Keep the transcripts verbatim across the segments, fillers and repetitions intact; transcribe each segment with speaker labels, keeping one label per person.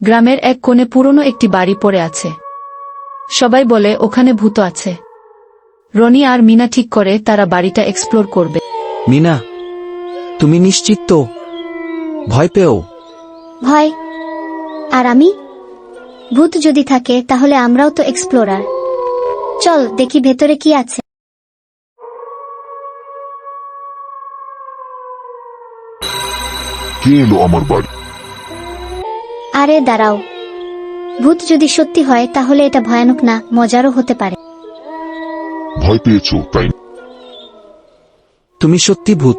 Speaker 1: গ্রামের এক কোণে পুরনো একটি বাড়ি পড়ে আছে। সবাই বলে ওখানে ভূত আছে। রনি আর মিনা ঠিক করে তারা বাড়িটা এক্সপ্লোর করবে।
Speaker 2: মিনা, তুমি নিশ্চিত তো? ভয় পেও?
Speaker 3: ভয়? আর আমি? ভূত যদি থাকে তাহলে আমরাও তো এক্সপ্লোরার। চল দেখি ভেতরে কি আছে।
Speaker 4: কে এলো আমার বাড়ি?
Speaker 3: আরে দাঁড়াও, ভূত যদি সত্যি হয় তাহলে এটা ভয়ানক না, মজারও হতে পারে।
Speaker 4: ভয় পেয়েছো তাই না?
Speaker 2: তুমি সত্যি ভূত?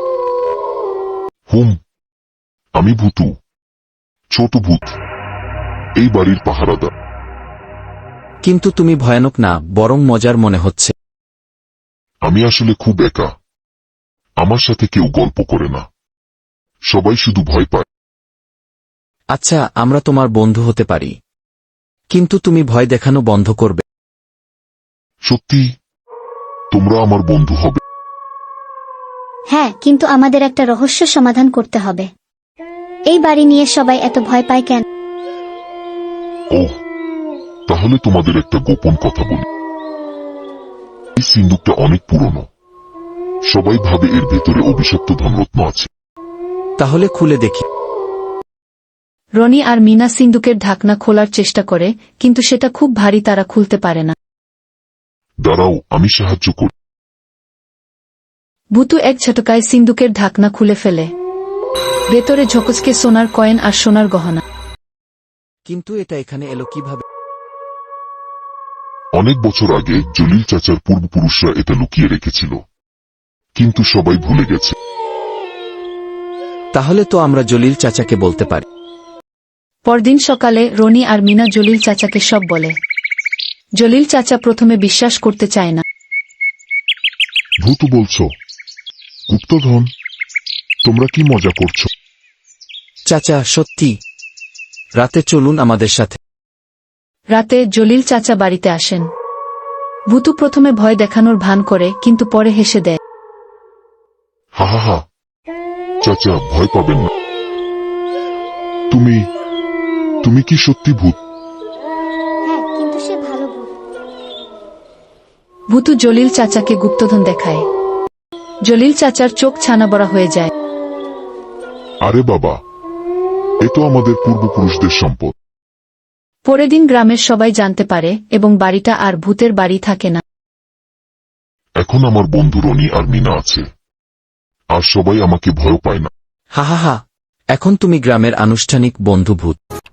Speaker 4: হুম, আমি ভূতু, ছোট ভূত, এই বাড়ির পাহারাদার।
Speaker 2: কিন্তু তুমি ভয়ানক না, বরং মজার মনে হচ্ছে।
Speaker 4: আমি আসলে খুব একা, আমার সাথে কেউ গল্প করে না, সবাই শুধু ভয় পায়।
Speaker 2: আচ্ছা, আমরা তোমার বন্ধু হতে পারি, কিন্তু তুমি ভয় দেখানো বন্ধ করবে।
Speaker 4: সত্যি তোমরা আমার বন্ধু হবে?
Speaker 3: হ্যাঁ, কিন্তু আমাদের একটা রহস্য সমাধান করতে হবে। এই বাড়ি নিয়ে সবাই এত ভয় পায় কেন?
Speaker 4: ওহ, তাহলে তোমাদের একটা গোপন কথা বলি। এই সিন্দুকটা অনেক পুরনো, সবাই ভাবে এর ভেতরে অভিশপ্ত ধনরত্ন আছে।
Speaker 2: তাহলে খুলে দেখি।
Speaker 1: রনি আর মিনা সিন্দুকের ঢাকনা খোলার চেষ্টা করে, কিন্তু সেটা খুব ভারী, তারা খুলতে পারে না।
Speaker 4: দাঁড়াও, আমি সাহায্য করি।
Speaker 1: ভূতু এক ঝটকায় সিন্দুকের ঢাকনা খুলে ফেলে। ভেতরে ঝকঝকে সোনার কয়েন আর সোনার গহনা।
Speaker 2: কিন্তু এটা এখানে এলো কিভাবে?
Speaker 4: অনেক বছর আগে জলিল চাচার পূর্বপুরুষরা এটা লুকিয়ে রেখেছিল, কিন্তু সবাই ভুলে গেছে।
Speaker 2: তাহলে তো আমরা জলিল চাচাকে বলতে পারি।
Speaker 1: পরদিন সকালে রনি আর মিনা জলিল চাচাকে সব বলে। জলিল চাচা প্রথমে বিশ্বাস করতে চায় না।
Speaker 4: ভূত বলছো? গুপ্তধন? তোমরা কি মজা করছো?
Speaker 2: চাচা, সত্যি। রাতে চলুন আমাদের সাথে।
Speaker 1: রাতে জলিল চাচা বাড়িতে আসেন। ভূতু প্রথমে ভয় দেখানোর ভান করে, কিন্তু পরে হেসে দেয়।
Speaker 4: হা হা হা, চাচা ভয় পাবেন না। তুমি তুমি কি সত্যি ভূত?
Speaker 3: হ্যাঁ, কিন্তু সে ভালো ভূত।
Speaker 1: ভূতু জলিল চাচাকে গুপ্তধন দেখায়। জলিল চাচার চোখ ছানাবড়া হয়ে যায়।
Speaker 4: আরে বাবা, এ তো আমাদের পূর্বপুরুষদের সম্পদ।
Speaker 1: পরের দিন গ্রামের সবাই জানতে পারে এবং বাড়িটা আর ভূতের বাড়ি থাকে না।
Speaker 4: এখন আমার বন্ধু রনি আর মিনা আছে, আর সবাই আমাকে ভয় পায় না।
Speaker 2: হা হা হা, এখন তুমি গ্রামের আনুষ্ঠানিক বন্ধু ভূত।